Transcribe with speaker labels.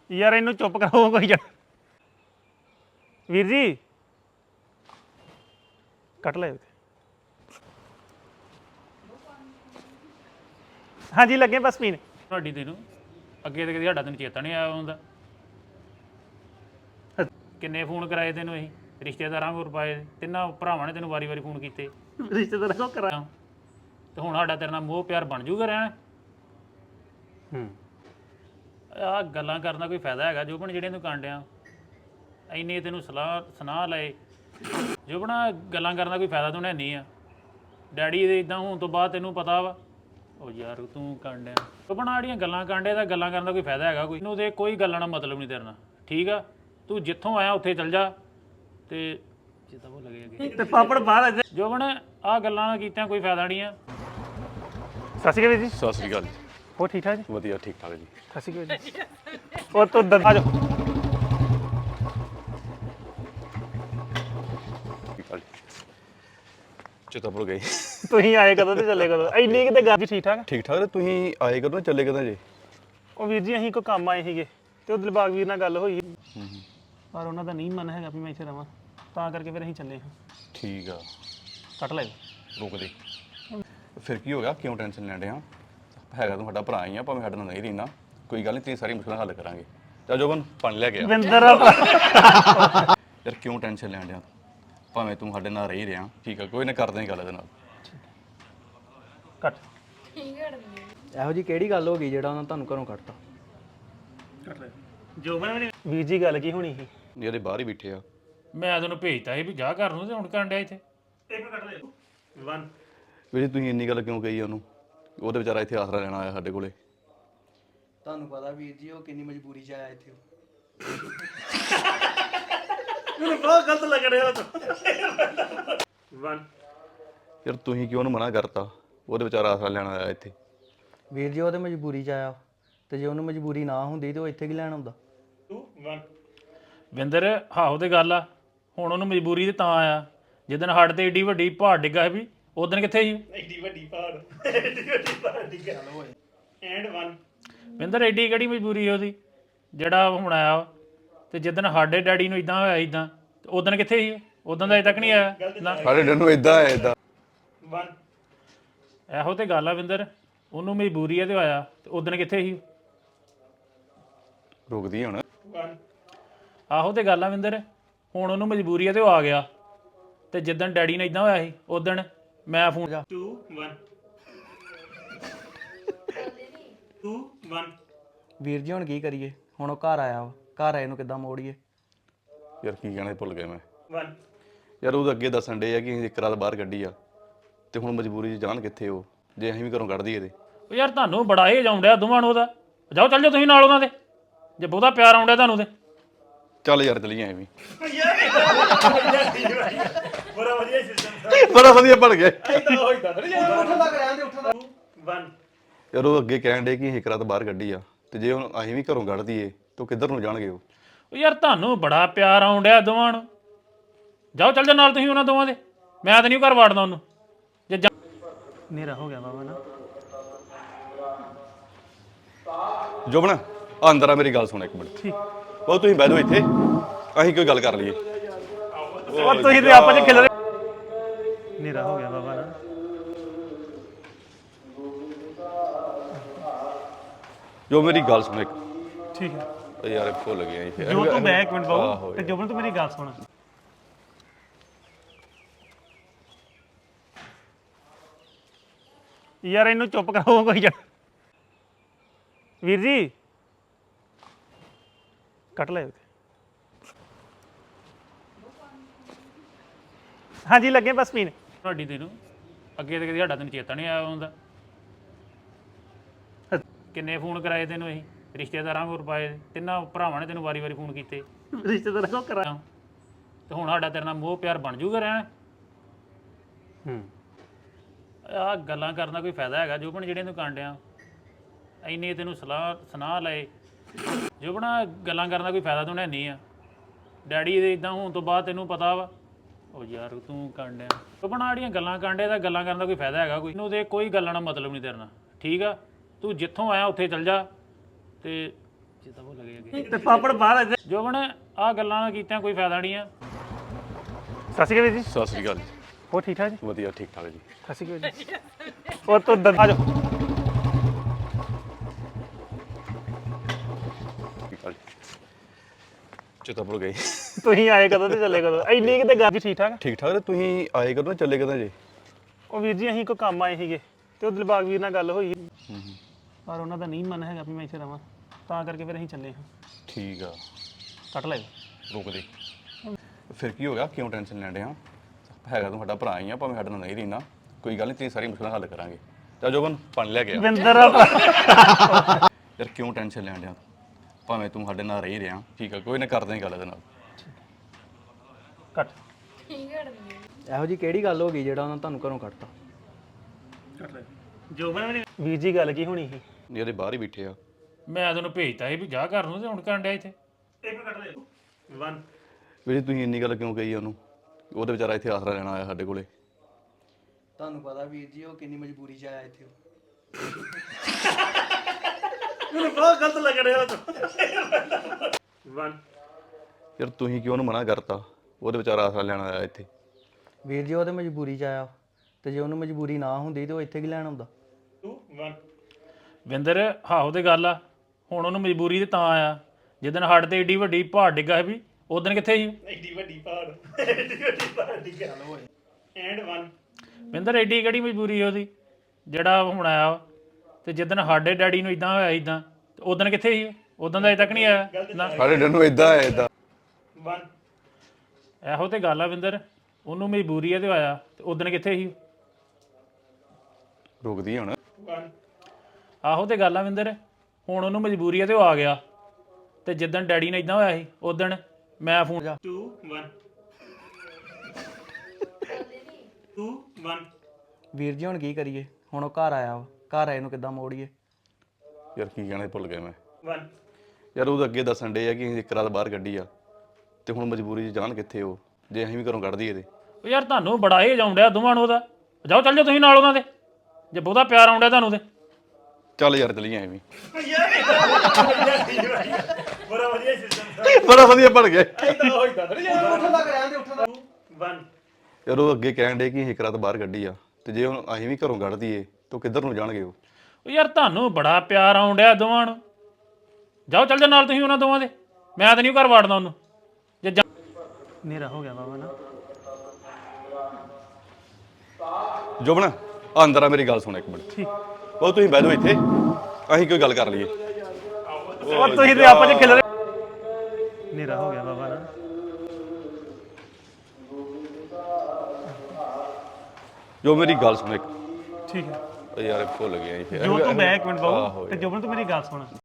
Speaker 1: ਯਾਰ ਇਹਨੂੰ ਚੁੱਪ ਕਰਾਓ ਕੋਈ ਜਣ ਵੀਰ ਜੀ ਕੱਟ ਲੈ ਹਾਂਜੀ ਲੱਗੇ ਬਸ ਪੀਣ
Speaker 2: ਤੁਹਾਡੀ ਤੈਨੂੰ ਅੱਗੇ ਤੇ ਕਦੀ ਸਾਡਾ ਤੈਨੂੰ ਚੇਤਾ ਨਹੀਂ ਆਇਆ ਹੁੰਦਾ ਕਿੰਨੇ ਫੋਨ ਕਰਾਏ ਤੈਨੂੰ ਅਸੀਂ ਰਿਸ਼ਤੇਦਾਰਾਂ ਕੋਲ ਪਾਏ ਤਿੰਨਾਂ ਭਰਾਵਾਂ ਨੇ ਤੈਨੂੰ ਵਾਰੀ-ਵਾਰੀ ਫੋਨ ਕੀਤੇ
Speaker 1: ਰਿਸ਼ਤੇਦਾਰਾਂ ਕੋ ਕਰਾ
Speaker 2: ਤੇ ਹੁਣ ਸਾਡਾ ਤੇਰੇ ਨਾਲ ਮੋਹ ਪਿਆਰ ਬਣ ਜੂਗਾ ਰਹਿਣ ਆਹ ਗੱਲਾਂ ਕਰਨ ਦਾ ਕੋਈ ਫਾਇਦਾ ਹੈਗਾ ਜੋਬਨ ਜਿਹੜੇ ਤੂੰ ਕਾਂਡਿਆ ਇੰਨੀ ਤੈਨੂੰ ਸੁਨਾਹ ਲਏ ਜੋਬਨ ਗੱਲਾਂ ਕਰਨ ਦਾ ਕੋਈ ਫਾਇਦਾ ਤੂੰ ਹੈ ਨਹੀਂ ਆ ਡੈਡੀ ਦੇ ਇਦਾਂ ਹੋਣ ਤੋਂ ਬਾਅਦ ਤੈਨੂੰ ਪਤਾ ਵਾ ਉਹ ਯਾਰ ਤੂੰ ਕਾਂਡਿਆ ਜੋਬਨ ਆੜੀਆਂ ਗੱਲਾਂ ਕਾਂਡੇ ਦਾ ਗੱਲਾਂ ਕਰਨ ਦਾ ਕੋਈ ਫਾਇਦਾ ਹੈਗਾ ਕੋਈ ਇਹਨੂੰ ਤੇ ਕੋਈ ਗੱਲਾਂ ਦਾ ਮਤਲਬ ਨਹੀਂ ਤੇਰੇ ਨਾਲ ਠੀਕ ਆ ਤੂੰ ਜਿੱਥੋਂ ਆਇਆ ਉੱਥੇ ਚੱਲ ਜਾ ਤੇ ਜਿੱਦਾਂ ਉਹ ਲੱਗੇ ਅੱਗੇ
Speaker 1: ਤੇ ਪਾਪੜ ਬਾਹਰ
Speaker 2: ਜੋਬਨ ਆਹ ਗੱਲਾਂ ਕੀਤਿਆਂ ਕੋਈ ਫਾਇਦਾ ਨਹੀਂ ਆ
Speaker 1: ਸਤਿ ਸ਼੍ਰੀ ਅਕਾਲ ਵੀਰ ਜੀ
Speaker 3: ਸਤਿ ਸ੍ਰੀ ਅਕਾਲ ਜੀ
Speaker 1: ਹੋ ਠੀਕ ਠਾਕ ਜੀ
Speaker 3: ਵਧੀਆ ਠੀਕ ਠਾਕ ਜੀ
Speaker 1: ਸਤਿ ਸ਼੍ਰੀ ਅਕਾਲ ਜੀ ਉਹ ਤੂੰ ਆ ਜਾ
Speaker 3: ਠੀਕ ਠਾਕ ਚੇਤਾ ਭੁੱਲ ਗਏ
Speaker 1: ਤੁਸੀਂ ਆਏ ਕਦੋਂ ਤੇ ਚੱਲੇ ਕਦੋਂ ਇੰਨੀ ਕਿਤੇ ਗੱਲ ਜੀ ਠੀਕ ਠਾਕ
Speaker 3: ਠੀਕ ਠਾਕ ਤੇ ਤੁਸੀਂ ਆਏ ਕਦੋਂ ਚੱਲੇ ਕਦੋਂ ਜੀ
Speaker 1: ਉਹ ਵੀਰ ਜੀ ਅਸੀਂ ਕੋਈ ਕੰਮ ਆਏ ਸੀਗੇ ਤੇ ਉਹ ਦਿਲਬਾਗ ਵੀਰ ਨਾਲ ਗੱਲ ਹੋਈ ਪਰ ਉਹਨਾਂ ਦਾ ਨਹੀਂ ਮਨ ਹੈਗਾ ਵੀ ਮੈਂ ਇੱਥੇ ਰਵਾਂ ਤਾਂ ਕਰਕੇ ਫਿਰ ਅਸੀਂ ਚੱਲੇ ਹਾਂ
Speaker 3: ਠੀਕ ਆ
Speaker 1: ਕੱਟ ਲੈ
Speaker 3: ਰੁਕ ਦੇ ਫਿਰ ਕੀ ਹੋ ਗਿਆ ਕਿਉਂ ਟੈਨਸ਼ਨ ਲੈਣ ਡਿਆ ਹੈਗਾ ਤੂੰ ਸਾਡਾ ਭਰਾ ਹੀ ਆ ਭਾਵੇਂ ਸਾਡੇ ਨਾਲ ਨਹੀਂ ਰਹਿਣਾ ਕੋਈ ਗੱਲ ਨਹੀਂ ਤੇਰੀ ਸਾਰੀ ਮੁਸ਼ਕਲਾਂ ਹੱਲ ਕਰਾਂਗੇ ਚੱਲ ਜੋਬਨ ਪਾਣੀ ਲੈ ਕੇ ਆ
Speaker 1: ਵਿੰਦਰ
Speaker 3: ਯਾਰ ਕਿਉਂ ਟੈਨਸ਼ਨ ਲੈਣ ਡਿਆ ਭਾਵੇਂ ਤੂੰ ਸਾਡੇ ਨਾਲ ਰਹਿ ਰਿਹਾ ਠੀਕ ਆ ਕੋਈ ਨਾ ਕਰਦੇ ਹਾਂ ਗੱਲ ਇਹਦੇ ਨਾਲ
Speaker 1: ਕੱਟ
Speaker 4: ਇਹੋ ਜੀ ਕਿਹੜੀ ਗੱਲ ਹੋ ਗਈ ਜਿਹੜਾ ਉਹਨਾਂ ਤੁਹਾਨੂੰ ਘਰੋਂ ਕੱਢਤਾ
Speaker 1: ਕੱਟ ਲੈ ਜੋ ਮੈਂ ਵੀਰ ਜੀ ਗੱਲ ਕੀ ਹੋਣੀ ਸੀ
Speaker 3: ਇਹਦੇ ਬਾਹਰ ਹੀ ਬੈਠੇ ਆ
Speaker 2: ਮੈਂ ਤੈਨੂੰ ਭੇਜਤਾ ਸੀ ਵੀ ਜਾ ਘਰ ਨੂੰ ਤੇ ਹੁਣ ਕਾਂਡਿਆ ਇੱਥੇ
Speaker 1: ਇੱਕ ਕੱਟ ਲੈ 1
Speaker 3: ਵੀਰੇ ਤੁਸੀਂ ਇੰਨੀ ਗੱਲ ਕਿਉਂ ਕਹੀ ਉਹਨੂੰ ਉਹਦੇ ਵਿਚਾਰਾ ਇੱਥੇ ਆਸਰਾ ਲੈਣ ਆਇਆ ਸਾਡੇ ਕੋਲੇ
Speaker 4: ਤੁਹਾਨੂੰ ਪਤਾ ਵੀਰ ਜੀ ਉਹ ਕਿੰਨੀ ਮਜਬੂਰੀ 'ਚ ਆਇਆ ਇੱਥੇ
Speaker 1: ਮੈਨੂੰ ਬਹੁਤ ਗਲਤ ਲੱਗ ਰਿਹਾ ਉਹ 1
Speaker 3: ਯਾਰ ਤੁਸੀਂ ਕਿਉਂ ਉਹਨੂੰ ਮਨਾ ਕਰਤਾ ਉਹਦੇ ਵਿਚਾਰਾ ਆਸਰਾ ਲੈਣ ਆਇਆ ਇੱਥੇ
Speaker 4: ਵੀਰ ਜੀ ਉਹ ਤੇ ਮਜਬੂਰੀ 'ਚ ਆਇਆ ਤੇ ਜੇ ਉਹਨੂੰ ਮਜਬੂਰੀ ਨਾ ਹੁੰਦੀ ਤੇ ਉਹ ਇੱਥੇ ਕੀ ਲੈਣ ਆਉਂਦਾ
Speaker 1: 2 1
Speaker 2: ਵਿੰਦਰ ਹਾਹੋ ਤੇ ਗੱਲ ਆ ਹੁਣ ਉਹਨੂੰ ਮਜਬੂਰੀ ਤੇ ਤਾਂ ਆਇਆ ਜਿੱਦਣ ਹੱਡ ਤੇ ਏਡੀ ਵੱਡੀ ਪਹਾੜ ਡਿੱਗਾ ਸੀ ਵੀ ਉਦੋਂ ਕਿੱਥੇ ਸੀ
Speaker 1: ਐਡੀ ਵੱਡੀ ਪਹਾੜ ਐਡੀ ਵੱਡੀ ਪਹਾੜ ਦੀ ਗੱਲ ਹੋਏ ਐਂਡ 1
Speaker 2: ਵਿੰਦਰ ਏਡੀ ਕਿਹੜੀ ਮਜਬੂਰੀ ਉਹਦੀ ਜਿਹੜਾ ਹੁਣ ਆਇਆ ਵਾ। ਤੇ ਜਿੱਦਣ ਸਾਡੇ ਡੈਡੀ ਨੂੰ ਇਦਾਂ ਹੋਇਆ ਇਦਾਂ ਉਦੋਂ ਕਿੱਥੇ ਸੀ ਉਦੋਂ ਦਾ ਅਜੇ ਤੱਕ ਨਹੀਂ ਆਇਆ ਨਾ
Speaker 3: ਸਾਡੇ ਡਰ ਨੂੰ ਇਦਾਂ ਹੈ ਇਦਾਂ
Speaker 1: 1
Speaker 2: ਇਹੋ ਤੇ ਗੱਲ ਆ ਵਿੰਦਰ ਉਹਨੂੰ ਮਜਬੂਰੀ ਹੈ ਤੇ ਆਇਆ ਤੇ ਉਦੋਂ ਕਿੱਥੇ ਸੀ
Speaker 3: ਰੁਕਦੀ ਹੁਣ
Speaker 1: 1
Speaker 2: ਆਹੋ ਤੇ ਗੱਲ ਆ ਵਿੰਦਰ ਹੁਣ ਉਹਨੂੰ ਮਜਬੂਰੀ ਹੈ ਤੇ ਉਹ ਆ ਗਿਆ ਤੇ ਜਿੱਦਣ ਡੈਡੀ ਨੇ ਇਦਾਂ ਹੋਇਆ ਸੀ ਉਦੋਂ ਮੈਂ ਫੋਨ
Speaker 1: 2 1 2 1
Speaker 4: ਵੀਰ ਜੀ ਹੁਣ ਕੀ ਕਰੀਏ ਹੁਣ ਉਹ ਘਰ ਆਇਆ ਵਾ ਘਰ ਆਏ ਨੂੰ ਕਿੱਦਾਂ ਮੋੜੀਏ
Speaker 3: ਯਾਰ ਕੀ ਕਹਿਣਾ ਸੀ, ਭੁੱਲ ਗਿਆ ਮੈਂ
Speaker 1: 1
Speaker 3: ਯਾਰ ਉਹ ਅੱਗੇ ਦੱਸਣ ਡੇ ਆ ਕਿ ਅਸੀਂ ਇੱਕ ਰਾਤ ਬਾਹਰ ਕੱਢੀ ਆ ਤੇ ਹੁਣ ਮਜਬੂਰੀ 'ਚ ਜਾਣ ਕਿੱਥੇ ਉਹ ਜੇ ਅਸੀਂ ਵੀ ਘਰੋਂ ਕੱਢ ਦਈਏ ਤੇ
Speaker 2: ਉਹ ਯਾਰ ਤੁਹਾਨੂੰ ਬੜਾ ਇਹ ਜਾਉਂਦਿਆ ਦੋਵਾਂ ਨੂੰ ਉਹਦਾ ਜਾਓ ਚੱਲ ਜਾਓ ਤੁਸੀਂ ਨਾਲ ਉਹਨਾਂ ਦੇ ਜੇ ਬਹੁਤਾ ਪਿਆਰ ਆਉਂਦਾ ਤੁਹਾਨੂੰ ਤੇ
Speaker 3: ਚੱਲ ਯਾਰ ਚਲੀਏ ਐਵੇਂ
Speaker 1: ਬੜਾ ਵਧੀਆ ਸਿਸਟਮ
Speaker 3: ਬੜਾ ਵਧੀਆ ਬਣ ਗਿਆ
Speaker 1: 1
Speaker 3: ਯਾਰ ਉਹ ਅੱਗੇ ਕਹਿਣ ਡੇ ਕਿ ਅਸੀਂ ਇੱਕ ਰਾਤ ਬਾਹਰ ਕੱਢੀ ਆ ਤੇ ਜੇ ਹੁਣ ਅਸੀਂ ਵੀ ਘਰੋਂ ਕੱਢ ਦਈਏ ਤਾਂ ਕਿੱਧਰ ਨੂੰ ਜਾਣਗੇ ਉਹ
Speaker 2: ਯਾਰ ਤੁਹਾਨੂੰ ਬੜਾ ਪਿਆਰ ਆਉਂਦਿਆ ਦੋਵਾਂ ਨੂੰ ਜਾਓ ਚੱਲ ਜਾਓ ਨਾਲ ਤੁਸੀਂ ਉਹਨਾਂ ਦੋਵਾਂ ਦੇ ਮੈਂ ਤਾਂ ਨਹੀਂ ਘਰ ਵਾੜਦਾ ਉਹਨੂੰ ਜੇ
Speaker 1: ਹਨੇਰਾ ਹੋ ਗਿਆ ਬਾਬਾ ਨਾ
Speaker 3: ਜੋਬਨ ਆ ਅੰਦਰ ਆ ਮੇਰੀ ਗੱਲ ਸੁਣ ਇੱਕ ਮਿੰਟ ਠੀਕ ਉਹ ਤੁਸੀਂ ਬਹਿ ਜਾਓ ਇੱਥੇ ਅਸੀਂ ਕੋਈ ਗੱਲ ਕਰ ਲਈਏ
Speaker 1: ਉਹ ਤੁਸੀਂ ਤੇ ਆਪਾਂ ਚ ਖਿਲ ਰਹੇ ਹਨੇਰਾ ਹੋ ਗਿਆ ਬਾਬਾ ਨਾ
Speaker 3: ਜੋ ਮੇਰੀ ਗੱਲ ਸੁਣ ਇੱਕ
Speaker 1: ਠੀਕ ਹੈ
Speaker 3: ਉਹ ਯਾਰ ਭੁੱਲ ਗਿਆ ਜੀ
Speaker 1: ਜੋ ਤੂੰ ਮੈਂ ਇੱਕ ਮਿੰਟ
Speaker 3: ਆਹੋ
Speaker 1: ਬਾਬੂ ਤੇ ਜੋਬਨ ਤੂੰ ਮੇਰੀ ਗੱਲ ਸੁਣ ਯਾਰ ਇਹਨੂੰ ਚੁੱਪ ਕਰਾਓ ਕੋਈ ਜਣ ਵੀਰ ਜੀ ਕੱਟ ਲੈ ਹਾਂਜੀ ਲੱਗੇ ਬਸ ਪੀਣ
Speaker 2: ਤੁਹਾਡੀ ਤੈਨੂੰ ਅੱਗੇ ਤੇ ਕਦੀ ਸਾਡਾ ਤੈਨੂੰ ਚੇਤਾ ਨਹੀਂ ਆਇਆ ਹੁੰਦਾ ਕਿੰਨੇ ਫੋਨ ਕਰਾਏ ਤੈਨੂੰ ਅਸੀਂ ਰਿਸ਼ਤੇਦਾਰਾਂ ਕੋਲ ਪਾਏ ਤਿੰਨਾਂ ਭਰਾਵਾਂ ਨੇ ਤੈਨੂੰ ਵਾਰੀ-ਵਾਰੀ ਫੋਨ ਕੀਤੇ
Speaker 1: ਰਿਸ਼ਤੇਦਾਰਾਂ ਕੋ ਕਰਾ
Speaker 2: ਤੇ ਹੁਣ ਸਾਡਾ ਤੇਰੇ ਨਾਲ ਮੋਹ ਪਿਆਰ ਬਣ ਜੂਗਾ ਰਹਿਣ ਆਹ ਗੱਲਾਂ ਕਰਨ ਦਾ ਕੋਈ ਫਾਇਦਾ ਹੈਗਾ ਜੋਬਨ ਜਿਹੜੇ ਤੂੰ ਕਾਂਡਿਆ ਇੰਨੀ ਤੈਨੂੰ ਸੁਨਾਹ ਲਏ ਜੋਬਨ ਗੱਲਾਂ ਕਰਨ ਦਾ ਕੋਈ ਫਾਇਦਾ ਤੂੰ ਹੈ ਨਹੀਂ ਆ ਡੈਡੀ ਦੇ ਇਦਾਂ ਹੋਣ ਤੋਂ ਬਾਅਦ ਤੈਨੂੰ ਪਤਾ ਵਾ ਉਹ ਯਾਰ ਤੂੰ ਕਾਂਡਿਆ ਜੋਬਨ ਆੜੀਆਂ ਗੱਲਾਂ ਕਾਂਡੇ ਦਾ ਗੱਲਾਂ ਕਰਨ ਦਾ ਕੋਈ ਫਾਇਦਾ ਹੈਗਾ ਕੋਈ ਇਹਨੂੰ ਤੇ ਕੋਈ ਗੱਲਾਂ ਦਾ ਮਤਲਬ ਨਹੀਂ ਤੇਰੇ ਨਾਲ ਠੀਕ ਆ ਤੂੰ ਜਿੱਥੋਂ ਆਇਆ ਉੱਥੇ ਚੱਲ ਜਾ ਤੇ ਚੇਤਾ ਭੁੱਲ ਗਏ ਅੱਗੇ
Speaker 1: ਤੇ ਪਾਪੜ ਬਾਹਰ ਆ ਜਾ।
Speaker 2: ਜੋਬਨ ਆ ਗੱਲਾਂ ਕੀਤਿਆਂ ਕੋਈ ਫਾਇਦਾ ਨਹੀਂ ਆ।
Speaker 1: ਸਤਿ ਸ਼੍ਰੀ ਅਕਾਲ ਵੀਰ ਜੀ।
Speaker 3: ਸਤਿ ਸ੍ਰੀ ਅਕਾਲ ਜੀ।
Speaker 1: ਹੋਰ ਠੀਕ ਠਾਕ ਜੀ?
Speaker 3: ਵਧੀਆ ਠੀਕ ਠਾਕ ਜੀ।
Speaker 1: ਸਤਿ ਸ਼੍ਰੀ ਅਕਾਲ ਜੀ। ਉਹ ਤੋਂ ਆ ਜਾਓ।
Speaker 3: ਠੀਕ ਠਾਕ ਜੀ। ਚੇਤਾ ਭੁੱਲ ਗਏ।
Speaker 1: ਤੁਸੀਂ ਆਏ ਕਦੋਂ ਤੇ ਚੱਲੇ ਕਦੋਂ? ਇੰਨੀ ਕਿਤੇ ਗੱਲ ਜੀ ਠੀਕ ਠਾਕ?
Speaker 3: ਠੀਕ ਠਾਕ ਤੇ ਤੁਸੀਂ ਆਏ ਕਦੋਂ ਚੱਲੇ ਕਦੋਂ ਜੀ?
Speaker 1: ਉਹ ਵੀਰ ਜੀ ਅਸੀਂ ਕੋਈ ਕੰਮ ਆਏ ਸੀਗੇ ਤੇ ਉਹ ਦਿਲਬਾਗ ਵੀਰ ਨਾਲ ਗੱਲ ਹੋਈ ਪਰ ਉਹਨਾਂ ਦਾ ਨਹੀਂ ਮਨ ਹੈਗਾ ਵੀ ਮੈਂ ਇੱਥੇ ਰਵਾਂ ਤਾਂ ਕਰਕੇ ਫਿਰ ਅਸੀਂ ਚੱਲੇ ਹਾਂ।
Speaker 3: ਠੀਕ ਆ।
Speaker 1: ਕੱਟ ਲਿਓ।
Speaker 3: ਰੁਕ ਦੇ। ਫਿਰ ਕੀ ਹੋ ਗਿਆ? ਕਿਉਂ ਟੈਨਸ਼ਨ ਲੈਣ ਡਿਆ? ਹੈਗਾ ਤੂੰ ਸਾਡਾ ਭਰਾ ਹੀ ਆ, ਭਾਵੇਂ ਸਾਡੇ ਨਾਲ ਨਹੀਂ ਰਹਿਣਾ ਕੋਈ ਗੱਲ ਨਹੀਂ, ਤੇਰੀ ਸਾਰੀ ਮੁਸ਼ਕਲਾਂ ਹੱਲ ਕਰਾਂਗੇ। ਚੱਲ ਜੋਬਨ ਪਾਣੀ ਲੈ ਕੇ ਆ।
Speaker 1: ਵਿੰਦਰ
Speaker 3: ਯਾਰ ਕਿਉਂ ਟੈਨਸ਼ਨ ਲੈਣ ਡਿਆ? ਭਾਵੇਂ ਤੂੰ ਸਾਡੇ ਨਾਲ ਰਹਿ ਰਿਹਾ ਠੀਕ ਆ, ਕੋਈ ਨਾ ਕਰਦੇ ਹਾਂ ਗੱਲ ਇਹਦੇ ਨਾਲ।
Speaker 1: ਕੱਟ।
Speaker 4: ਇਹੋ ਜੀ ਕਿਹੜੀ ਗੱਲ ਹੋ ਗਈ ਜਿਹੜਾ ਉਹਨਾਂ ਤੁਹਾਨੂੰ ਘਰੋਂ ਕੱਢਤਾ?
Speaker 1: ਜੋਬਨ ਵੀ ਨਹੀਂ। ਵੀਰ ਜੀ ਗੱਲ ਕੀ ਹੋਣੀ ਸੀ?
Speaker 3: ਇਹਦੇ ਬਾਹਰ ਹੀ ਬੈਠੇ ਆ।
Speaker 2: ਮੈਂ ਤੈਨੂੰ ਭੇਜਤਾ ਸੀ ਵੀ ਜਾ ਘਰ ਨੂੰ ਤੇ ਹੁਣ ਕਰਨ ਡਿਆ ਇੱਥੇ।
Speaker 1: ਇੱਕ ਕੱਟ ਲਿਓ। 1
Speaker 3: ਵੀਰੇ ਤੁਸੀਂ ਇੰਨੀ ਗੱਲ ਕਿਉਂ ਕਹੀ ਉਹਨੂੰ? ਉਹਦੇ ਵਿਚਾਰਾ ਇੱਥੇ ਆਸਰਾ ਲੈਣ ਆਇਆ ਸਾਡੇ ਕੋਲੇ।
Speaker 4: ਤੁਹਾਨੂੰ ਪਤਾ ਵੀਰ ਜੀ ਉਹ ਕਿੰਨੀ ਮਜਬੂਰੀ 'ਚ ਆਇਆ ਇੱਥੇ।
Speaker 1: ਮੈਨੂੰ ਬਹੁਤ ਗਲਤ ਲੱਗ ਰਿਹਾ ਉਹ ਤੋਂ। 1
Speaker 3: ਯਾਰ ਤੁਸੀਂ ਕਿਉਂ ਉਹਨੂੰ ਮਨਾ ਕਰਤਾ? ਉਹਦੇ ਵਿਚਾਰਾ ਆਸਰਾ ਲੈਣ ਆਇਆ ਇੱਥੇ।
Speaker 4: ਵੀਰ ਜੀ ਉਹ ਤੇ ਮਜਬੂਰੀ 'ਚ ਆਇਆ ਤੇ ਜੇ ਉਹਨੂੰ ਮਜਬੂਰੀ ਨਾ ਹੁੰਦੀ ਤੇ ਉਹ ਇੱਥੇ ਕੀ ਲੈਣ ਆਉਂਦਾ?
Speaker 1: 2 1
Speaker 2: ਵਿੰਦਰ ਹਾਹੋ ਤੇ ਗੱਲ ਆ, ਹੁਣ ਉਹਨੂੰ ਮਜਬੂਰੀ ਤੇ ਤਾਂ ਆਇਆ ਜਿੱਦਣ ਹੱਡ ਤੇ ਏਡੀ ਵੱਡੀ ਪਹਾੜ ਡਿੱਗਾ ਸੀ ਵੀ ਉਦੋਂ ਕਿੱਥੇ ਸੀ?
Speaker 1: ਐਡੀ ਵੱਡੀ ਪਹਾੜ ਐਡੀ ਵੱਡੀ ਪਹਾੜ ਦੀ ਗੱਲ ਹੋਏ। ਐਂਡ 1
Speaker 2: ਵਿੰਦਰ ਐਡੀ ਕਿਹੜੀ ਮਜਬੂਰੀ ਉਹਦੀ ਜਿਹੜਾ ਹੁਣ ਆਇਆ ਵਾ? ਤੇ ਜਿੱਦਣ ਸਾਡੇ ਡੈਡੀ ਨੂੰ ਇਦਾਂ ਹੋਇਆ ਇਦਾਂ ਉਦੋਂ ਕਿੱਥੇ ਸੀ? ਉਦੋਂ ਦਾ ਅਜੇ ਤੱਕ ਨਹੀਂ ਆਇਆ ਨਾ।
Speaker 3: ਸਾਡੇ ਡਰ ਨੂੰ ਇਦਾਂ ਹੈ ਇਦਾਂ।
Speaker 1: 1
Speaker 2: ਇਹੋ ਤੇ ਗੱਲ ਆ ਵਿੰਦਰ, ਉਹਨੂੰ ਮਜਬੂਰੀ ਆ ਤੇ ਆਇਆ ਤੇ ਉਦੋਂ ਕਿੱਥੇ ਸੀ?
Speaker 3: ਰੁਕਦੀ ਹੁਣ।
Speaker 1: 1
Speaker 2: ਆਹੋ ਤੇ ਗੱਲ ਆ ਵਿੰਦਰ, ਹੁਣ ਉਹਨੂੰ ਮਜਬੂਰੀ ਆ ਤੇ ਉਹ ਆ ਗਿਆ ਤੇ ਜਿੱਦਣ ਡੈਡੀ ਨੇ ਇਦਾਂ ਹੋਇਆ ਸੀ ਉਦੋਂ ਮੈਂ ਫੋਨ
Speaker 1: 2 1 2 1
Speaker 4: ਵੀਰ ਜੀ ਹੁਣ ਕੀ ਕਰੀਏ? ਹੁਣ ਉਹ ਘਰ ਆਇਆ ਵਾ, ਘਰ ਆਏ ਨੂੰ ਕਿੱਦਾਂ ਮੋੜੀਏ?
Speaker 3: ਯਾਰ ਕੀ ਕਹਿਣਾ ਭੁੱਲ ਗਿਆ ਮੈਂ।
Speaker 1: 1
Speaker 3: ਯਾਰ ਉਹ ਅੱਗੇ ਦੱਸਣ ਡੇ ਆ ਕਿ ਅਸੀਂ ਇੱਕ ਰਾਤ ਬਾਹਰ ਕੱਢੀ ਆ ਤੇ ਹੁਣ ਮਜਬੂਰੀ 'ਚ ਜਾਣ ਕਿੱਥੇ ਉਹ, ਜੇ ਅਸੀਂ ਵੀ ਘਰੋਂ ਕੱਢ ਦਈਏ ਤੇ।
Speaker 2: ਉਹ ਯਾਰ ਤੁਹਾਨੂੰ ਬੜਾ ਇਹ ਜਾਉਂਦਿਆ ਦੋਵਾਂ ਨੂੰ ਉਹਦਾ। ਜਾਓ ਚੱਲ ਜਾਓ ਤੁਸੀਂ ਨਾਲ ਉਹਨਾਂ ਦੇ, ਜੇ ਬਹੁਤਾ ਪਿਆਰ ਆਉਂਦਾ ਤੁਹਾਨੂੰ ਤੇ।
Speaker 3: ਚੱਲ ਯਾਰ ਚਲੀਏ ਐਵੇਂ।
Speaker 1: ਬੜਾ ਵਧੀਆ ਸਿਸਟਮ
Speaker 3: ਬੜਾ ਵਧੀਆ ਬਣ ਗਿਆ।
Speaker 1: 1
Speaker 3: ਯਾਰ ਉਹ ਅੱਗੇ ਕਹਿਣ ਡੇ ਕਿ ਅਸੀਂ ਇੱਕ ਰਾਤ ਬਾਹਰ ਕੱਢੀ ਆ ਤੇ ਜੇ ਹੁਣ ਅਸੀਂ ਵੀ ਘਰੋਂ ਕੱਢ ਦਈਏ ਤਾਂ ਕਿੱਧਰ ਨੂੰ ਜਾਣਗੇ ਉਹ?
Speaker 2: ਉਹ ਯਾਰ ਤੁਹਾਨੂੰ ਬੜਾ ਪਿਆਰ ਆਉਂਦਿਆ ਦੋਵਾਂ ਨੂੰ। ਜਾਓ ਚੱਲ ਜਾਓ ਨਾਲ ਤੁਸੀਂ ਉਹਨਾਂ ਦੋਵਾਂ ਦੇ, ਮੈਂ ਤਾਂ ਨਹੀਂ ਘਰ ਵਾੜਦਾ ਉਹਨੂੰ। ਜੇ
Speaker 1: ਹਨੇਰਾ ਹੋ ਗਿਆ ਬਾਬਾ ਨਾ।
Speaker 3: ਜੋਬਨ ਅੰਦਰ ਆ, ਮੇਰੀ ਗੱਲ ਸੁਣ ਇੱਕ ਮਿੰਟ।
Speaker 1: ਠੀਕ।
Speaker 3: ਉਹ ਤੁਸੀਂ ਬਹਿ ਜਾਓ ਇੱਥੇ, ਅਸੀਂ ਕੋਈ ਗੱਲ ਕਰ ਲਈਏ।
Speaker 1: ਉਹ ਤੁਸੀਂ ਤੇ ਆਪਾਂ ਚ ਖਿਲ ਰਹੇ। ਹਨੇਰਾ ਹੋ ਗਿਆ ਬਾਬਾ ਨਾ।
Speaker 3: ਜੋ ਮੇਰੀ ਗੱਲ ਸੁਣ ਇੱਕ।
Speaker 1: ਠੀਕ ਹੈ।
Speaker 3: ਓ ਯਾਰ ਭੁੱਲ ਗਿਆ ਜੀ ਫਿਰ।
Speaker 1: ਜੋ ਤੂੰ ਮੈਂ 1 ਮਿੰਟ
Speaker 3: ਆਹੋ
Speaker 1: ਬਾਬੂ ਤੇ
Speaker 3: ਯਾਰ।
Speaker 1: ਜੋਬਨ ਤੂੰ ਮੇਰੀ ਗੱਲ ਸੁਣ।